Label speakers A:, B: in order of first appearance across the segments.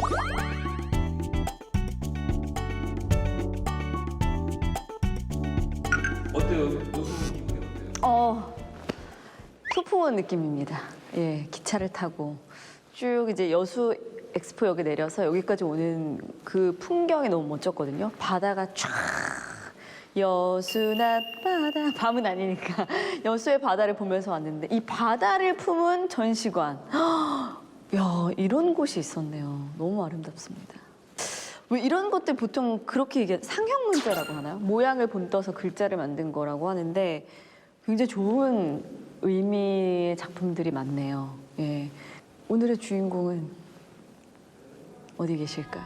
A: 어때요? 여수 기분이 어때요?
B: 소풍원 느낌입니다. 예, 기차를 타고 쭉 이제 여수 엑스포역에 내려서 여기까지 오는 그 풍경이 너무 멋졌거든요. 바다가 쫙 여수 낮바다 밤은 아니니까 여수의 바다를 보면서 왔는데 이 바다를 품은 전시관. 야, 이런 곳이 있었네요. 너무 아름답습니다. 왜 이런 것들 보통 그렇게 이게 상형 문자라고 하나요? 모양을 본떠서 글자를 만든 거라고 하는데 굉장히 좋은 의미의 작품들이 많네요. 예. 오늘의 주인공은 어디 계실까요?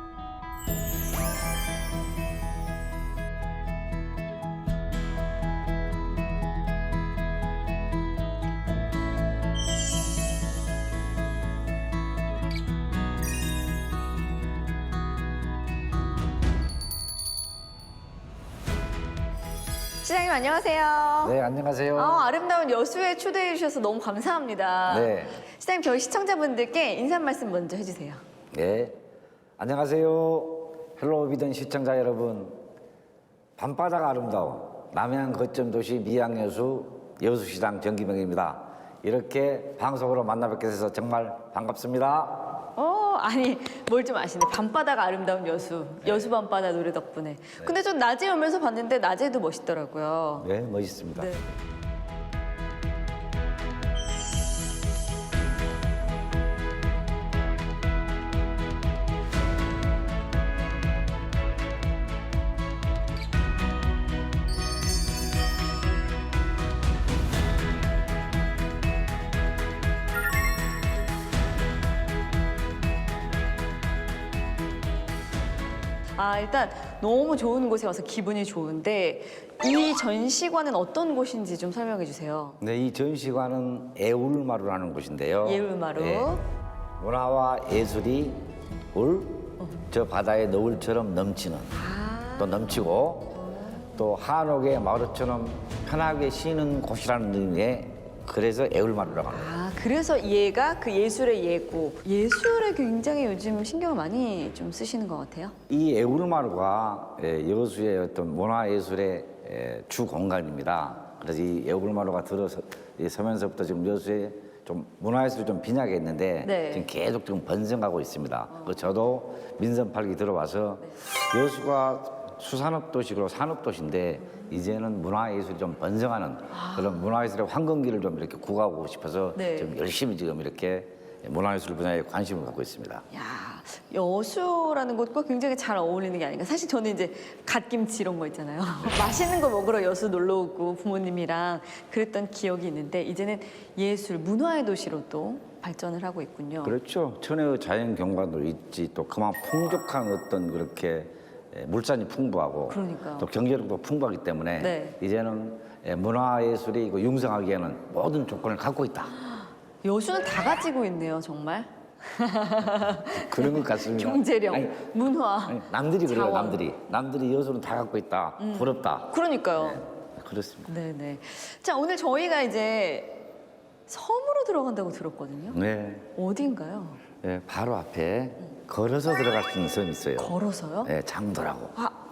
B: 시장님 안녕하세요.
C: 네, 안녕하세요.
B: 아름다운 여수에 초대해 주셔서 너무 감사합니다.
C: 네.
B: 시장님 저희 시청자분들께 인사 말씀 먼저 해주세요.
C: 네, 안녕하세요. 헬로비전 시청자 여러분. 밤바다가 아름다운 남해안 거점 도시 미양여수 여수시장 정기명입니다. 이렇게 방송으로 만나 뵙게 돼서 정말 반갑습니다.
B: 아니 뭘 좀 아시네. 밤바다가 아름다운 여수. 여수 밤바다 노래 덕분에. 근데 전 낮에 오면서 봤는데 낮에도 멋있더라고요.
C: 네, 멋있습니다.
B: 네. 일단 너무 좋은 곳에 와서 기분이 좋은데 이 전시관은 어떤 곳인지 좀 설명해 주세요.
C: 네, 이 전시관은 애울마루라는 곳인데요.
B: 애울마루.
C: 문화와 예술이 저 바다의 노을처럼 넘치는 또 넘치고 또 한옥의 마루처럼 편하게 쉬는 곳이라는 의미에 그래서 애울마루라고 합니다.
B: 그래서 얘가 그 예술의 예고. 예술에 굉장히 요즘 신경을 많이 좀 쓰시는 것 같아요.
C: 이 애울마루가 여수의 어떤 문화예술의 주 공간입니다. 그래서 이 애울마루가 들어서 서면서부터 지금 여수에 좀 문화예술이 좀 빈약해 있는데
B: 네.
C: 지금 계속 지금 번성하고 있습니다. 저도 민선 8기 들어와서 여수가 수산업 도시고 산업 도시인데 이제는 문화예술이 좀 번성하는 그런 문화예술의 황금기를 좀 이렇게 구가하고 싶어서
B: 네.
C: 지금 열심히 지금 이렇게 문화예술 분야에 관심을 갖고 있습니다.
B: 야, 여수라는 곳과 굉장히 잘 어울리는 게 아닌가. 사실 저는 이제 갓김치 이런 거 있잖아요. 맛있는 거 먹으러 여수 놀러 오고 부모님이랑 그랬던 기억이 있는데 이제는 예술, 문화의 도시로 또 발전을 하고 있군요.
C: 그렇죠. 천혜의 자연 경관도 있지 또 그만 풍족한 어떤 그렇게 물산이 풍부하고
B: 그러니까요.
C: 또 경제력도 풍부하기 때문에
B: 네.
C: 이제는 문화예술이 융성하기에는 모든 조건을 갖고 있다.
B: 여수는 다 가지고 있네요, 정말.
C: 그런 것 같습니다.
B: 경제력,
C: 아니,
B: 문화,
C: 아니, 남들이 그래요.
B: 자원.
C: 남들이 여수는 다 갖고 있다. 부럽다.
B: 그러니까요.
C: 그렇습니다.
B: 네네. 자, 오늘 저희가 이제 섬으로 들어간다고 들었거든요.
C: 네.
B: 어딘가요?
C: 네, 바로 앞에 걸어서 들어갈 수 있는 섬이 있어요.
B: 걸어서요?
C: 네, 장도라고.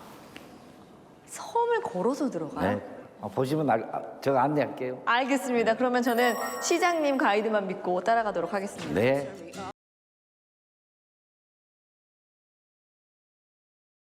B: 섬을 걸어서 들어가요?
C: 네. 보시면 제가 안내할게요.
B: 알겠습니다. 그러면 저는 시장님 가이드만 믿고 따라가도록 하겠습니다.
C: 네.